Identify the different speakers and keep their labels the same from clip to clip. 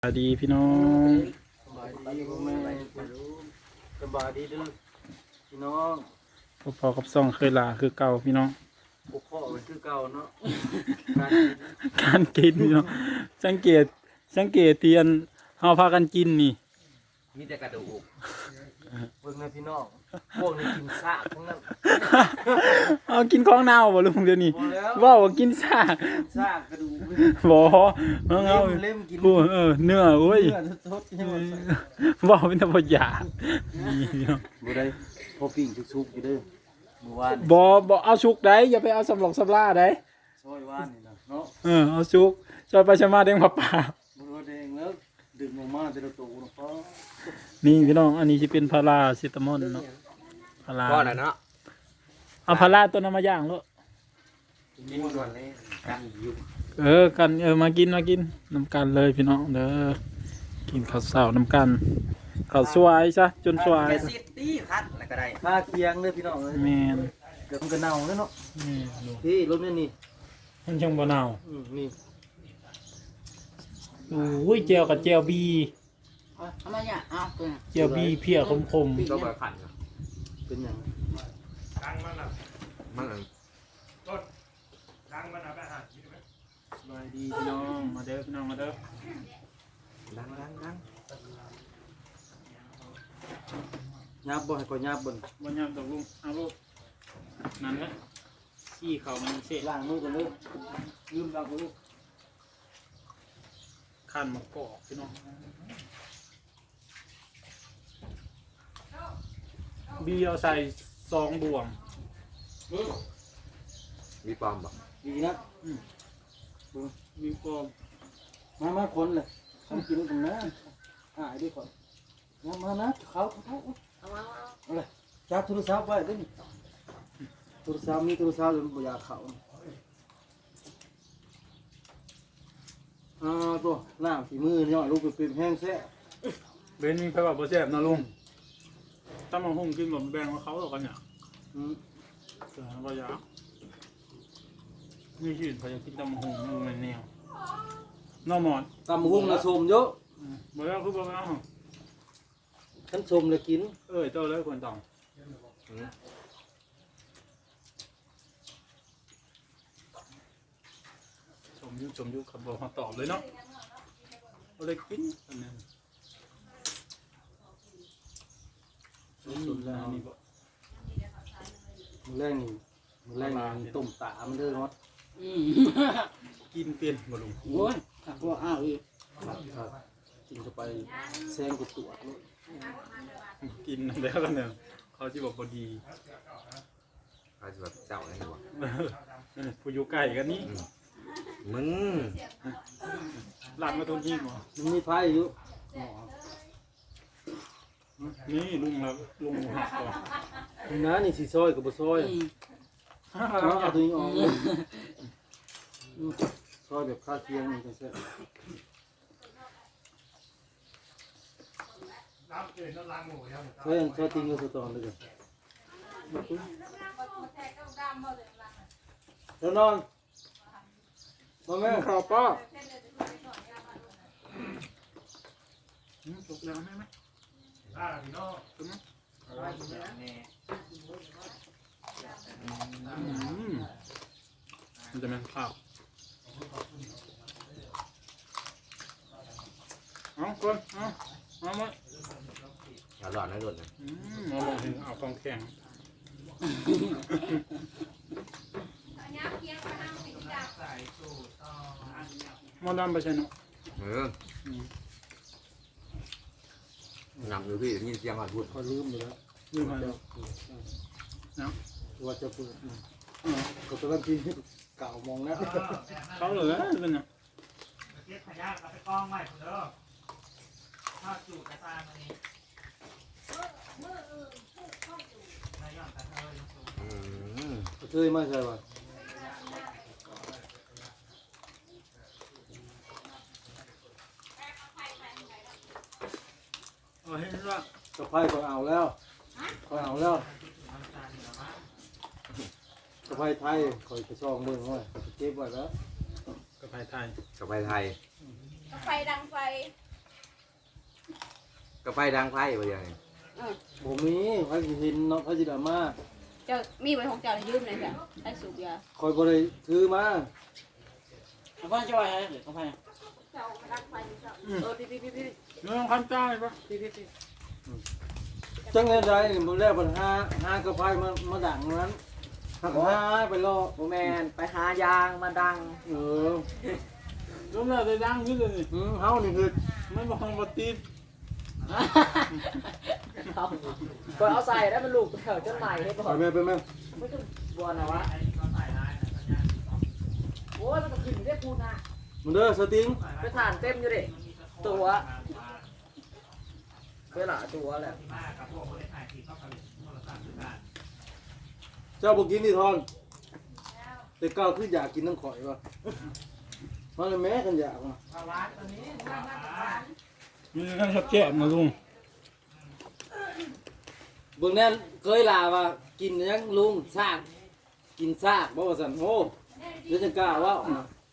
Speaker 1: สวัสดีพี่น้อง
Speaker 2: สบายดีพ่อแม่สบายดีเด้อพี่น้อง
Speaker 1: พอกับซ่องเคยลาคือเก่าพี่น้อง
Speaker 2: พวกพ่อเป็นคือเก่าเนาะ
Speaker 1: การกินพี่น้องสังเกตเตียนเฮาพากันกินนี่
Speaker 3: มีแต่กระดูก
Speaker 2: เบิ่งนะพี่น้องพวกนี้กินซากทั้งนั้น
Speaker 1: เอากินของเน่าบ่ลุงเดี๋ยวนี้
Speaker 2: บ่แล้ว
Speaker 1: ว่าว่ากินซาก
Speaker 2: ซากกระดูก
Speaker 1: บ่เอา
Speaker 2: เล่มกิน
Speaker 1: ผู้เนื้อโอ้ย
Speaker 2: เนื้อสดๆใช่ไหม
Speaker 1: ว่าเป็นตะบ่อยากนี่พี่น้อง
Speaker 2: บ่ได้พอปิ้งชุกๆอยู่เด้อเมื่อวาน
Speaker 1: บ่เอาชุกได้อย่าไปเอาสำหลอกสำลาได้
Speaker 2: ซอยว่านนี่นะเนาะ
Speaker 1: เอาชุกซอยไปชะมาเด้งมาป่า
Speaker 2: บ่รู้เองแล้วดึงออกมาแต่ละตัวเนาะพ่อ
Speaker 1: นี่พี่น้องอันนี้สิเป็นพาราเซตามอลเนาะพารา
Speaker 3: ก็แล้วเนาะ
Speaker 1: เอาพาราตัวนั้นมาย่างลูก
Speaker 3: กินก่อนเลยกันอยู่
Speaker 1: กันมากินน้ำกันเลยพี่น้องเด้อกินข้าวเสาน้ำกันข้าวสวยซะจนสวย
Speaker 3: แค่ซิตี้คัดแล้วก็ได้
Speaker 2: ค่าเคียงเด้อพี่น้องเอ้ย
Speaker 1: แมน
Speaker 2: เกือบมันก็เน่าแล้วเนาะ
Speaker 1: นี่ลูก
Speaker 2: พี่รถนี่นี่
Speaker 1: มันยังบ่เน่า
Speaker 2: นี่
Speaker 1: โอ้ยเจียวกับเจียวบี
Speaker 4: ทำไมเนี่ยอ้าวตัวเนี่ย
Speaker 1: เจียวบีเพียคม
Speaker 3: ก็มาขัน
Speaker 2: เป็นหยัง
Speaker 3: มัน
Speaker 1: สบายดีพี่น้องมาเด้อพี่น้องมาเด้อ
Speaker 3: ดัง
Speaker 2: ยับบ่ให้ก็ยับบ่
Speaker 1: บ่ยามตกลุงเอาลูกนั่นแหละขี้เขามันเสะ
Speaker 2: ล้างมือก่อนเลยลืมล้างมือ
Speaker 1: ขั้นมะกอกพี่น้องบีเอาใส่2 บ่วง
Speaker 3: มีปอมบ่
Speaker 2: ดีนะ
Speaker 1: มีกอก
Speaker 2: มาคนเลยทำกินกันนะหายด้วยก่อนมานะเขา
Speaker 4: เอามา
Speaker 2: เอาเลยจับโทรศัพท์ไว้ด้วยนี่โทรศัพท์มีโทรศัพท์เลยบ่อยากเขาตัวน้ำฝีมือย่อยลูกเป็นแห้งแซ่
Speaker 1: เบนมีใครบอกบ่แซ่บนะลุงถ้ามาหุ่งกินแบบแบ่งกับเขาหรอกกันเนี่ยแต่ว่าอยากนี่ชื่นพยายามกินตำมะฮุ่งมันแนวน้องหมอน
Speaker 2: ตำหุ้งละชมเยอะ
Speaker 1: บ่แล้วคือบ่แล้ว
Speaker 2: ฉันชมเลยกิน
Speaker 1: เจ้าเลยคนต้องชมยุคขับบอกมาตอบเลยเนาะเอาเลยกินอันนั้นสุดแล้วนี่บ่
Speaker 2: มือแรงนี่มือแรงนี่ต้มตามันเด้อเนาะ
Speaker 1: กินเป็นบ่ลุง
Speaker 4: โอ้ยขับว่าอ้าวอีก
Speaker 2: ครับกินเข้าไปแซงกุตัวเลย
Speaker 1: กินแล้วกันเนี่ยเขาจะบอกบ่ดี
Speaker 3: เขาจะแบบเจ้าอะไรบ่
Speaker 1: ผู้อยู่ใกล้กันนี่
Speaker 3: มึง
Speaker 1: หลังมาตรงนี้บ่
Speaker 2: มันมีไฟอยู่
Speaker 1: นี่ลุงหักก่อน
Speaker 2: นี่นะนี่สีซอยกับบ่ซอยเอาตัวนี้ออกซอยแบบคาเทียงนี่จังซี่ซอยติงอยู่ตอนเลยแล้วนอนมาแม่ข้าวป้า
Speaker 1: ตกแล้วไหมมันจะเป็นข้าวเอาคนเอามา
Speaker 3: อย่าหลอดนะหลุดนะ
Speaker 1: เอาลงถึงเอากองแข็งมอดำไปใช่เนาะ
Speaker 3: นำอยู่พี่นี่เสียงหอดพูด
Speaker 2: พอลืมอยู่แล้ว
Speaker 1: ลืมไปแล้วเนาะ
Speaker 2: ว่าจะเปิดก็ตอนนั้นที่เก่ามองแล้ว
Speaker 1: เขาเหลือเป็นเนี่ย
Speaker 5: เก็บขยะเอาไปกองไว้เด้อถ้าจูดกระตายมันนี่นายย่อนกระเทยสูง
Speaker 2: เคยมาใช่ป่ะ
Speaker 1: เห็นว่า
Speaker 2: สะพายก็เอาแล้วก็เอาแล้วสะพายไทยคอยกระชองมือไว้เก็บไว้แล้ว
Speaker 1: กระเพราไทย
Speaker 3: กับไปไทย
Speaker 4: ไฟดังไฟ
Speaker 3: ก็ไฟดังไฟไปอย่างนี้
Speaker 2: ผมมีใครสิเห็นเนาะใครสิดราม่า
Speaker 6: เจ้ามีไว้ของเจ้ายืมเลยจ้ะไอ้สูบยา
Speaker 2: คอยบ่ได้ถือมา
Speaker 4: เอาพ่อช่วยให้เดี๋ยวเอาไป
Speaker 6: เจ้ารักไฟเจ้า
Speaker 4: พี่
Speaker 1: เรื่องคันจ้าเลยปะ
Speaker 2: จังไงได้มื้อแรกปัญหากระไพมาดังนั้นหักหาไปรอ
Speaker 4: โมแมนไปหายางมาดัง
Speaker 2: เออ
Speaker 1: รวมแล้วได้ดังขึ้นเลยนี่
Speaker 2: เฮานี่คือ
Speaker 1: ไม่บอกว่าติด
Speaker 4: ก็เอาใส่ได้มันลูกแถวจนใหม่ให้ก่อ
Speaker 2: ไป
Speaker 4: น
Speaker 2: แม่ไปแม่
Speaker 4: ไม่ต้องบัวนะวะโอ้ยมันก็ขึ้นได้พูดนะ
Speaker 2: มึงเด้อสติง
Speaker 4: ไปฐานเต็มอยู่ดิตัวเวลาตัวแหละ
Speaker 2: เจ้าบ่กินนี่ทอนแต่เก้าคืออยากกินน้ำข่อยว่ะมันเลยแม่กันอยากว่ะ
Speaker 1: มีการชักแก้มาลุง
Speaker 2: เบิ่งแน่เคยลาว่ากินยังลุงซากกินซากบ่ว่าซั่นโอ้เดี๋ยวจะกล้าเว่า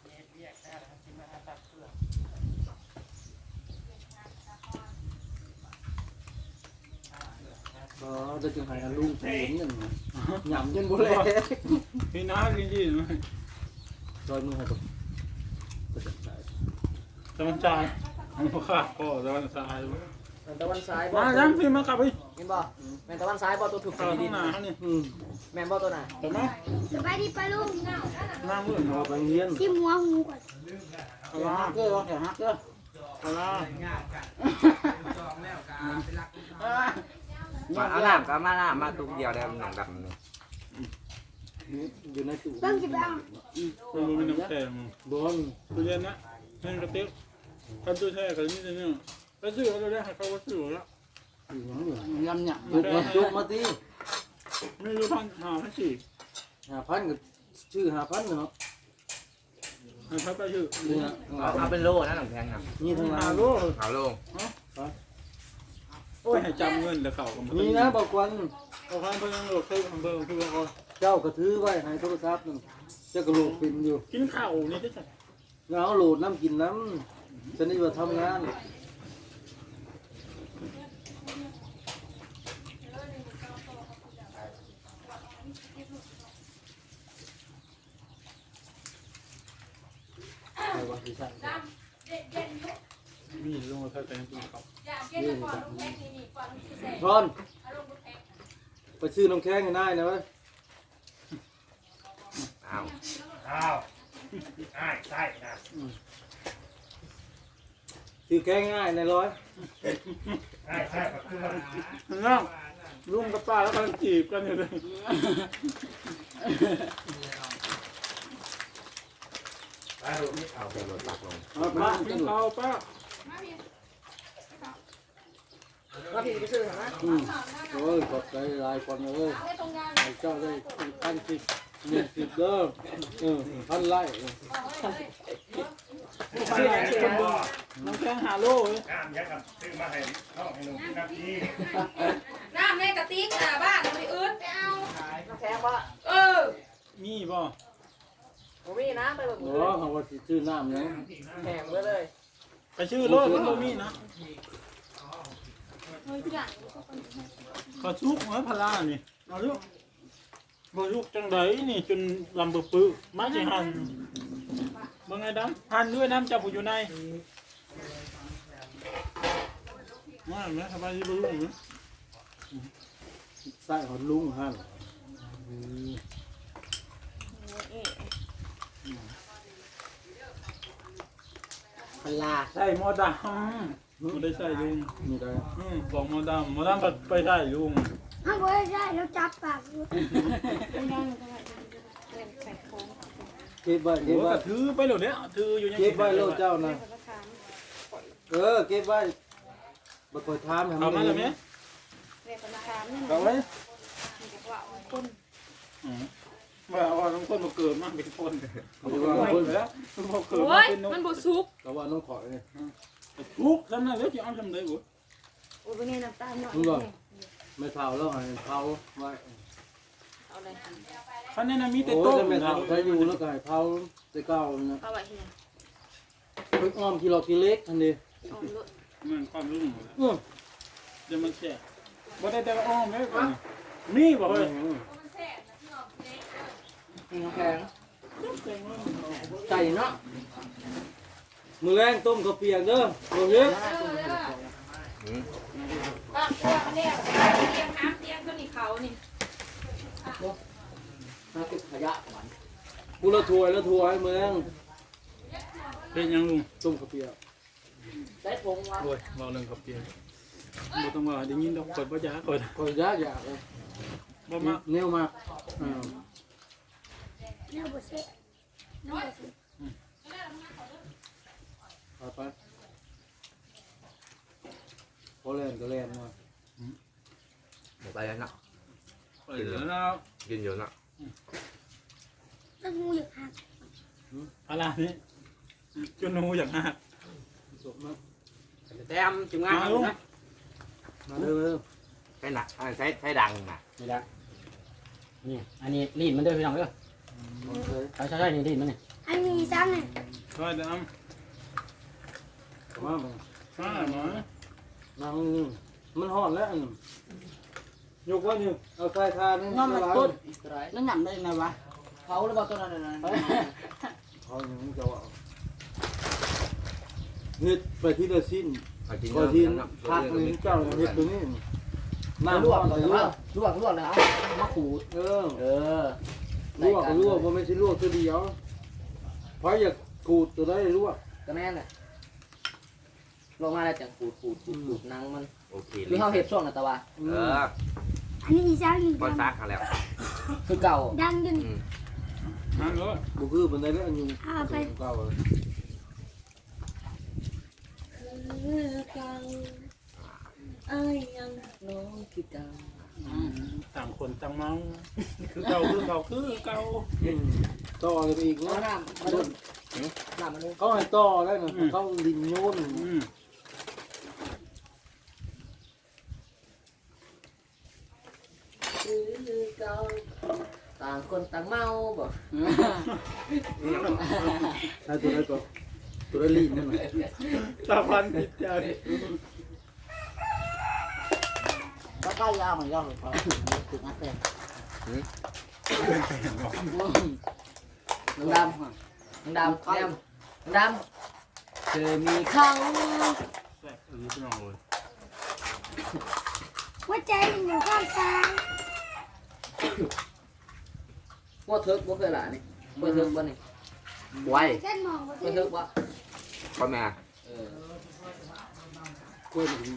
Speaker 2: อ๋อจะจึงให้อันลุงเห็นนั่นหย่ำจนบ่แล
Speaker 1: พี่น้ากินดีไหม
Speaker 2: ซอยมือให้ตัวก็จะใส่
Speaker 1: ตะวันใจมันก็ขาดพ่อตะวันสาย
Speaker 4: ตะวันซ้ายบอ
Speaker 1: มา
Speaker 4: ล
Speaker 1: จังพี่มากลับไป
Speaker 4: เห็นบ่แมนตะวันซ้ายบอลตัวถูก
Speaker 1: ข้าว
Speaker 4: ดิ
Speaker 1: ข้าง
Speaker 4: น
Speaker 1: หน้าเขานี่
Speaker 4: แมนบอลตัวไหน
Speaker 1: เห็นไหม
Speaker 7: สบายดีปะลุง
Speaker 1: หน้ามืด
Speaker 2: เอาไปเรียน
Speaker 7: ชิมหัวหูก่อน
Speaker 1: ปลา
Speaker 4: ฮักเกอร์วะแถวฮักเกอร์
Speaker 1: ปลา
Speaker 3: เอาน้ำก็มาน้ำมาตุ้มเดียวได้มันหนังดำนี่
Speaker 2: อยู่ในตู้
Speaker 7: ต้องจิบเอา
Speaker 1: ตัวมันมีน้ำแข็ง
Speaker 2: บอล
Speaker 1: ตู้เย็นนะเงินกระติกกันตู้แช่กันนี่จะเนี่ยไปซื้อเขาได้ให้เขาก็ซื้อแล้ว
Speaker 2: อยู่หยังเนี่ย
Speaker 4: ยำเนี่ย
Speaker 2: จุกมาตี
Speaker 1: ไม่รู้พันหาพันสี่
Speaker 2: 5,000ก็ชื่อ5,000เนาะ
Speaker 1: ให้เขาไปซื้อ
Speaker 2: นี่นะ
Speaker 3: เอาเป็นโลนะหนังแพงนะ
Speaker 2: นี่ทาง
Speaker 1: หา
Speaker 2: ร้าน
Speaker 1: ลูก
Speaker 3: เอาโล
Speaker 1: โอ้ยให้จำเงินแล้วเขาก็
Speaker 2: นี่นะบอกวัน
Speaker 1: เอาพันเพิ่งโหลดเคยของเพิ่งคือเขา
Speaker 2: เจ้าก็ถือไว้ให้โทรศัพท์นึงเจ้าก็โหลดปินอยู่
Speaker 1: กินข้าวนี่ได้จ้ะ
Speaker 2: แล้วเอาโหลดน้ำกินน้ำฉันนี่ว่าทำงานใครว่าที่ใช่
Speaker 1: มีลงมาเขาแต่งกินข้าว
Speaker 2: ทอนไปซื้อน้ำแข็งให้นายนะเว้ย
Speaker 3: เอา
Speaker 5: อ้าวใช่นะ
Speaker 2: ซื้อแข็งง่ายในร้อย
Speaker 5: ใช่ก็คือว่า
Speaker 1: น้องลุงกับป้าแล้วกำลังจีบกันอยู่เลย
Speaker 3: เอาเป็นรถตักลง
Speaker 2: เอาไป
Speaker 1: ป้า
Speaker 2: กิ
Speaker 1: กิ
Speaker 2: น
Speaker 1: นข้าวป้า
Speaker 4: ว่าพี่ไปซื้อเหรอนะ
Speaker 2: โอ้ยขอบใจหลายคนเลยให้เจ้าได้1,010 1,010เด้อพันไร่
Speaker 1: เสียคนเดียวน้ำแข็งหาโลเลย
Speaker 5: น้ำยักกับซื้อมาให้น้องให้หนุ่มกินน้ำที่
Speaker 6: น้ำในกระติกหน้าบ้านเราไปอื้นไปเอา
Speaker 4: น้ำแข็งปะ
Speaker 6: เออ
Speaker 1: มีบ่
Speaker 4: ผมมีนะไปแบบ
Speaker 2: โอ้เขาว่าสิซื้อน้ำยัง
Speaker 4: แข็งไว้เลย
Speaker 1: ไปชื่อโลดมันบ่มีนะ
Speaker 7: เฮ้ยพี่หลัง
Speaker 1: เขาชุกไว้พลานี่เอาลูกบ่ชุกจังไดนี่จนลำบึปื้อมาสิหันบ่ไงดำหันด้วยน้ำจับอยู่ในมาแม่สบายดีบ่ลุง
Speaker 2: ใส่หอนลุงฮั่น
Speaker 4: พลา
Speaker 1: ใส่หมอดำบ่ได้ใส่ลุง
Speaker 2: นี่ได้
Speaker 1: บอกหมอดำก็ไปได้ลุง
Speaker 7: ถ้าไม่ได้แล้วจับปากอยู่
Speaker 2: เก็บไว้
Speaker 1: โอ้
Speaker 2: เก็บไว้
Speaker 1: ก็ถือไปแล้วเนี่ยถืออยู่ยัง
Speaker 2: เก็บไว้โลดเจ้านะเก็บไว้บ่ค่อยถามให้
Speaker 1: เอา
Speaker 2: มั
Speaker 1: มาน แล้วแม่
Speaker 6: เรียกธนาคารนี่
Speaker 1: เอาไว้
Speaker 6: มันจะว่าคน
Speaker 1: ว่าน้องคนมาเกิดมาเป็นคน
Speaker 2: เอาไปวางคน
Speaker 1: แล้วมาเกิด
Speaker 6: โอ้
Speaker 1: มาย เป็นนก
Speaker 6: มันบ่สุก
Speaker 2: ก็ว่าน้องขอยนี่
Speaker 1: ทุกข์นั่นน่ะแล้วจะเอาทำได้บ่
Speaker 6: โอ้ยเป็นไงน้ำตาลหน่อย
Speaker 2: มึงบ่ไม่เผาแล้วให้เผาไว้
Speaker 6: เอาเลย
Speaker 1: คันนั้นน่ะมีแต่
Speaker 2: โอ้
Speaker 1: โต๊ะ
Speaker 2: ยไม่เผาใช้อยู่แล้วก็ให้เผาแต่เก่านะ
Speaker 6: เอาไว้ที่ไหน
Speaker 2: เพิ่งอ้อมกิโลกิเล็กทันที
Speaker 6: เอาลูก
Speaker 1: มันความรู้
Speaker 2: อื้อ
Speaker 1: เดี๋ยวมันแฉะบ่ได้แต่อ้อมเลยก่อนมีบ่เฮ้ย
Speaker 4: น้ำแพง
Speaker 2: ใจเนาะมือแรงต้มข้าวเปียกเด้อโอ้ย
Speaker 6: บ้านตัวมันเนี่ยเตียงน้ำเตียงตัวนี้เขานี่
Speaker 4: น้ำติดขยะหวาน
Speaker 2: กูละถ้วยละถ้วยมือแรง
Speaker 1: เป็นยังลุง
Speaker 2: ต้มข้าวเปียก
Speaker 4: ใส่ผงวะ
Speaker 1: โอ้ยเว้าเรื่องกับเปียบ่ต้องว่าได้ยินดอกกดบ่ยากด
Speaker 2: ก็ยากอยากเลย
Speaker 1: บ่มา
Speaker 2: แนวมาก
Speaker 7: เนี่ยบ่เสร็จเนี่ยบ่เสร็จ
Speaker 2: ไปพอแลนก็แลนมา
Speaker 3: หมดไปแล้วเนาะ
Speaker 1: ไปแล้ว
Speaker 3: กินอยู่เนาะ
Speaker 7: แล้วงูอยากหัก
Speaker 1: อะไรนี่จนหนูอย่างหัก
Speaker 2: สมมาก
Speaker 4: แต้มจุ่มงานนะ
Speaker 2: มาเร็ว
Speaker 3: ใช้หนักใช้ดังนะ
Speaker 4: นี่แหละนี่อันนี้ลีนมันเด้อพี่น้องเด้อ
Speaker 2: ๆ
Speaker 4: ใช่นี่ลีนมันนี่
Speaker 7: อันนี้ซ้ำเนี่ย
Speaker 1: ก็ดำ
Speaker 2: มา
Speaker 1: มาหมอ
Speaker 2: นั่งนี่มันห่อนแล้วยกว่านี่เอาใส่ทานนี่
Speaker 4: น้ำมันต้น
Speaker 8: nó nhầm đây này bà
Speaker 4: เผาหรือเปล่าต้นนั้นน่ะ
Speaker 2: เขาอย่างจะว่าเฮ็ดไปที่ละสิ้น
Speaker 3: เอากิน
Speaker 2: ก็
Speaker 3: เนาะ
Speaker 2: ที่
Speaker 3: เนาะ
Speaker 2: พักนี่เจ้าเฮ็ดตัวนี้
Speaker 4: ล
Speaker 2: น้ำ
Speaker 4: ว
Speaker 2: ร้
Speaker 4: ก
Speaker 2: อน
Speaker 4: เล
Speaker 2: เลย ย
Speaker 4: ลวกเลยเอามาขูด
Speaker 2: เออ
Speaker 4: ล
Speaker 2: ลวกบ่ไม่ใช่ลวกตัวเดียวเพราะอยากกูดตัวได้ลวก
Speaker 4: ก็แม่นแหละลงมาแล้วจังขูดหนังมัน
Speaker 3: โอเค
Speaker 4: หรือเฮาเฮ็ดช่วงน่ะตะวะ
Speaker 3: เออ
Speaker 7: อันนี้ซ้ำนี่
Speaker 3: บอลซักเขาแล้ว
Speaker 4: คือเก่า
Speaker 7: ดังจน
Speaker 1: นั่นเลย
Speaker 2: บ่คือบันไดแล้วอันอยู่เก่า
Speaker 7: คือเก่าเอ้ยยัง
Speaker 4: น้องคือเก่า
Speaker 1: ต่างคนต่างเมาคือเก่าคือเก่าคือเก่า
Speaker 2: ต่อเลยไปอีก
Speaker 4: เอา
Speaker 2: นะ
Speaker 4: น้ำมาดูน้ำมาดู
Speaker 2: เขาให้ต่อได้นะเขาดินโยน
Speaker 4: คือเก่าต่างคนต่างเมาบ่
Speaker 2: ให้ตัวได้ก็ตัวได้ลีนนั่นน่ะ
Speaker 1: ตาพันจิตใจ
Speaker 8: có cái dao mà dao được phải được ăn tiền
Speaker 4: น้องดำน้องดำแก้มน้องดำเคยมีเขา
Speaker 1: แซ่บพี่น้องเลย
Speaker 7: หัวใจอยู่ข้างซ้าย
Speaker 4: ว่าเถิกว่าเคยหลานี่ว่าเถิกว่านี่ไว
Speaker 7: เส้นมองว่า
Speaker 4: ว่าเถิกว่า
Speaker 3: พ่อแม่
Speaker 2: กล้วยมันดี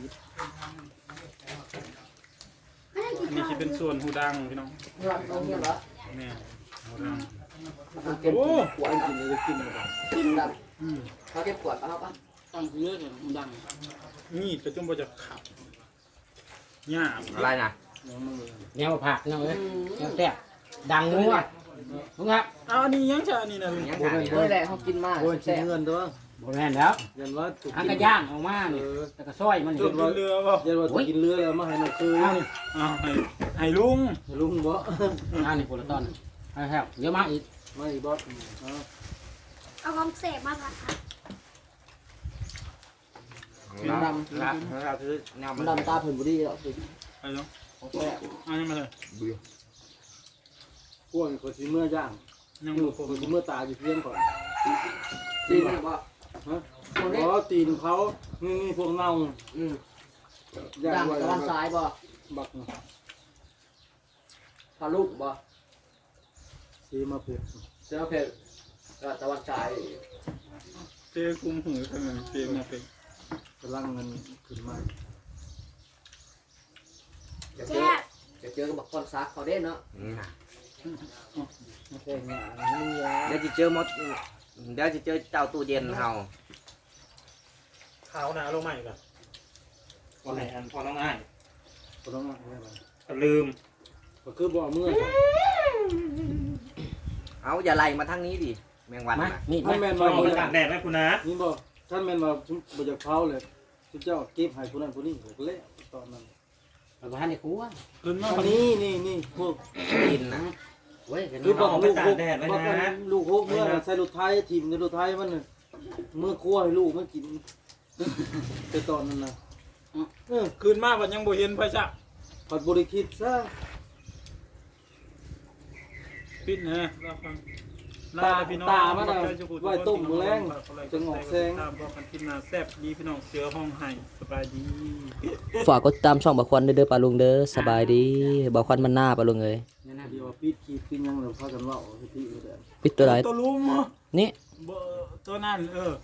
Speaker 7: ไม่ได้กิน
Speaker 1: อันนี้
Speaker 7: ข้าว
Speaker 1: จะเป็นส่วนหูดังพี่น้อง
Speaker 4: เรื่องตรงนี้เหรอ
Speaker 1: แม่หูดัง
Speaker 4: เก็บ
Speaker 1: โอ้
Speaker 2: กล้วยกินเลยกินเลย
Speaker 4: กินดำเขาเก็บขวดเอาปะ
Speaker 8: ăn dưới thì không đằng
Speaker 1: นี่กระจุ่มบ่จะขับหยาบ
Speaker 3: อะไรนะ
Speaker 4: แนวผักเนาะเอ้ยแนวแซ่บดังงัวลุงครับ
Speaker 1: เอาอันนี้ยังจะอันนี้นะ
Speaker 3: ยัง
Speaker 2: โบ
Speaker 3: หา
Speaker 2: ราณ
Speaker 3: นี่
Speaker 4: เมื่อไรเขากินมาก
Speaker 2: โบราณ
Speaker 4: แซ่บ
Speaker 2: เงินตัว
Speaker 4: บ่แม่นแล้ว
Speaker 2: ยันว่าถูก
Speaker 4: อัน
Speaker 2: กิ
Speaker 4: ก็
Speaker 2: น
Speaker 4: ย่างออกมานี่แล้วก็ซอยมัน
Speaker 1: จุ
Speaker 4: นี่
Speaker 1: ดเรือป่ะ
Speaker 2: ยันว่าถูกกินเรือแล้วมาให้น้องคือ
Speaker 1: เอาให้ลุง
Speaker 2: ลุงบ่
Speaker 4: อันนี้โพลตอนให้แฮวเยอะมากอีก
Speaker 2: ไม่บอส
Speaker 7: เอาของเสพมาผัดผัด
Speaker 3: น้ำละเราคือแนว
Speaker 4: มันดำตาเพิ่นบ่ดีแล้วสิ
Speaker 1: ไปเนาะ
Speaker 4: ของแซ่บ
Speaker 1: เอายังมาเลย
Speaker 3: เบื่อก
Speaker 2: ล้วยคนสิเมื่อย่าง
Speaker 1: ยัง
Speaker 2: อยู่
Speaker 1: บ่ครบ
Speaker 2: คนสิเมื่อตาอยู่เพียงก่อน
Speaker 4: จริงบ่
Speaker 2: ฮะเพราะตีนเขานี่พวกเน่า
Speaker 4: อืม
Speaker 2: ย่า
Speaker 4: ดั
Speaker 2: ง
Speaker 4: ง
Speaker 2: ไว้
Speaker 4: ตะวันซ้ายบ่
Speaker 2: บัก
Speaker 4: พาลูกบ่
Speaker 2: สีมาเผ็ด
Speaker 4: เสือเผ็ดตะวันซ้าย
Speaker 1: เจ๊คุมหูขนาดเจ๊มาเป็น
Speaker 2: กำลังเงินขึ้นมา
Speaker 7: แซ่บ
Speaker 4: จะเจอกับบักคอนซักเขาเด้เนาะ
Speaker 2: แค่นี้นี่ยา
Speaker 3: เดี๋ยวจะเจอมดเดี๋ยวจะเจอเจ้าตู้เย็นเฮา
Speaker 1: ขาวหนาลงใหม่ก่อนพอไหนอันพอน้องง่าย
Speaker 2: ก็ต้องมาอะไร
Speaker 1: ลืม
Speaker 2: ก็คือบ่เมื่อ
Speaker 3: เอาอย่าไล่มาทางนี้ดิแมงวัน
Speaker 4: มา
Speaker 3: นะ
Speaker 4: นี่
Speaker 2: ท่านแม่น
Speaker 1: ล
Speaker 2: ว่า
Speaker 1: องมาตากแดดไหมคุณนะ
Speaker 2: นี่บ่ท่านแม่นว่าบ่จะเผาเลยทุกเจ้าเก็บให้ผู้นั้นผู้นี้ก็แล้วตอนนั้น
Speaker 4: มันบ่ทันได้คั่ว
Speaker 1: ลืมมา
Speaker 2: อันนี่พวก
Speaker 3: กินนะ
Speaker 4: เว้ยกัน
Speaker 2: คือบอก
Speaker 1: เอาไป
Speaker 2: ลูก
Speaker 1: ตา
Speaker 2: ห
Speaker 1: ก
Speaker 2: ก
Speaker 1: แดดไว้
Speaker 2: บอก
Speaker 1: นะ
Speaker 2: ลูกหกเมื่อใส่รถไทยทีมในรถไทยมันน่ะเมื่อครัวให้ลูกมันกินแต่ตอนนั้นนะ
Speaker 1: คืนมาบัดยังบ่เห็นไผซะ
Speaker 2: ผัดบริคิดซะ
Speaker 1: ปิดนะรับฟังพี่น้อง
Speaker 2: ตามันน่ะไว้ต้มมื้อแลงจะงอกแซง
Speaker 1: ตามบอกกันกินหน้าแซ่บดีพี่น้องเสือห้องไห้สบายดี
Speaker 4: ฝากกดติดตามช่องบ่าวควันเด้อปลาลุงเด้อสบายดีบ่าวควันมันหน้าปลาลุงเอ้ย
Speaker 2: เดี๋ยวว่าปิดขีดปิดหยังแล้วพากันเว้าสิที่เด้อ
Speaker 4: ปิดตัวไหน
Speaker 1: ตัวลุม
Speaker 4: นี่
Speaker 1: ตัวนั่น